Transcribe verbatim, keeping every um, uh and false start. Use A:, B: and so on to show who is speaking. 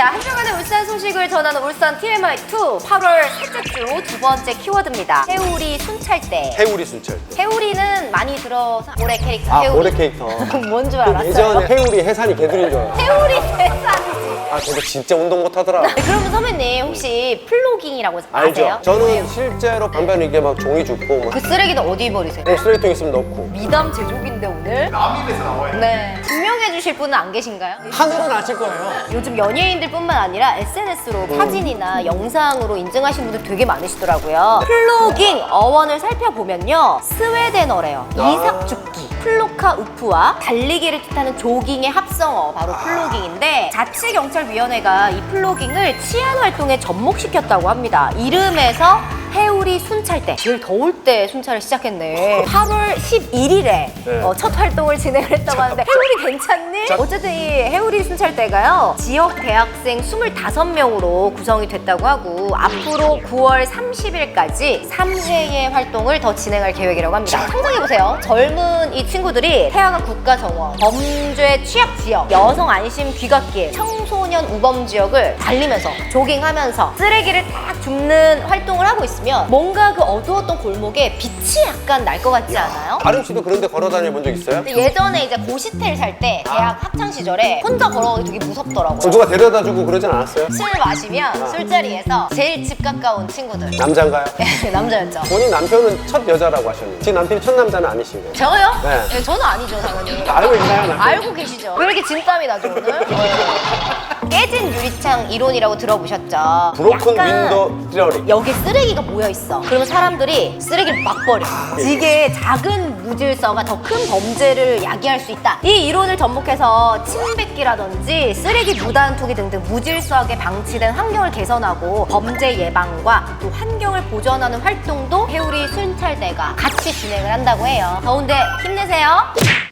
A: 자, 한 주간의 울산 소식을 전하는 울산 티엠아이 투 팔월 셋째 주 두 번째 키워드입니다. 해우리 순찰대.
B: 해우리 순찰.
A: 해우리는 많이 들어서 고래 캐릭터.
B: 아,
A: 해우리.
B: 고래 캐릭터.
A: 뭔 줄 알았어요?
B: 예전에 해우리 해산이 개들인 줄 알았어.
A: 해우리 대산이지.
B: 아, 근데 진짜 운동 못 하더라.
A: 네, 그러면 선배님 혹시 플로깅이라고
B: 알죠?
A: 아세요?
B: 저는 실제로 반면 이게 막 종이 줍고 막
A: 그 쓰레기는 어디 버리세요?
B: 뭐 쓰레기통 있으면 넣고.
A: 미담 제조기인데 오늘?
C: 남입에서 나와요.
A: 네. 증명해 주실 분은 안 계신가요?
B: 하늘은 아실 거예요.
A: 요즘 연예인들뿐만 아니라 에스엔에스로 사진이나 영상으로 인증하신 분들 되게 많으시더라고요. 플로깅 어원을 살펴보면요. 스웨덴어래요.
B: 아.
A: 이삭 죽기. 플로카 우프와 달리기를 뜻하는 조깅의 합성어 바로 플로깅인데 자치경찰위원회가 이 플로깅을 치안 활동에 접목시켰다고 합니다. 이름에서 해우리 순찰대. 제일 더울 때 순찰을 시작했네. 팔월 십일일에
B: 네.
A: 어, 첫 활동을 진행을 했다고 하는데 해우리 괜찮니?
B: 자-
A: 어쨌든 이 해우리 순찰대가요 지역 대학생 스물다섯 명으로 구성이 됐다고 하고 앞으로 구월 삼십일까지 삼 회의 활동을 더 진행할 계획이라고 합니다. 상상해보세요. 젊은 이 친구들이 태화강 국가정원, 범죄 취약 지역, 여성 안심 귀갓길, 청소년 우범 지역을 달리면서 조깅하면서 쓰레기를 딱 줍는 활동을 하고 있습니다. 뭔가 그 어두웠던 골목에 빛이 약간 날 것 같지 않아요?
B: 아름 씨도 그런 데 걸어 다녀 본 적 있어요?
A: 근데 예전에 이제 고시텔 살 때 대학 학창 시절에 혼자 걸어가기 되게 무섭더라고요.
B: 그럼 누가 데려다 주고 그러진 않았어요?
A: 술 마시면 술자리에서 제일 집 가까운 친구들
B: 남자인가요?
A: 남자였죠.
B: 본인 남편은 첫 여자라고 하셨는데 지금 남편이 첫 남자는 아니신 거예요?
A: 저요?
B: 네.
A: 네, 저는 아니죠 당연히.
B: 알고 있나요, 남편?
A: 알고 계시죠? 왜 이렇게 진땀이 나죠 오늘? 깨진 유리창 이론이라고 들어보셨죠?
B: 브로큰
A: 약간
B: 윈도 티어리.
A: 여기 쓰레기가 모여 있어. 그러면 사람들이 쓰레기를 막 버려. 이게 작은 무질서가 더 큰 범죄를 야기할 수 있다. 이 이론을 접목해서 침뱉기라든지 쓰레기 무단 투기 등등 무질서하게 방치된 환경을 개선하고 범죄 예방과 또 환경을 보전하는 활동도 해우리 순찰대가 같이 진행을 한다고 해요. 더운데 힘내세요.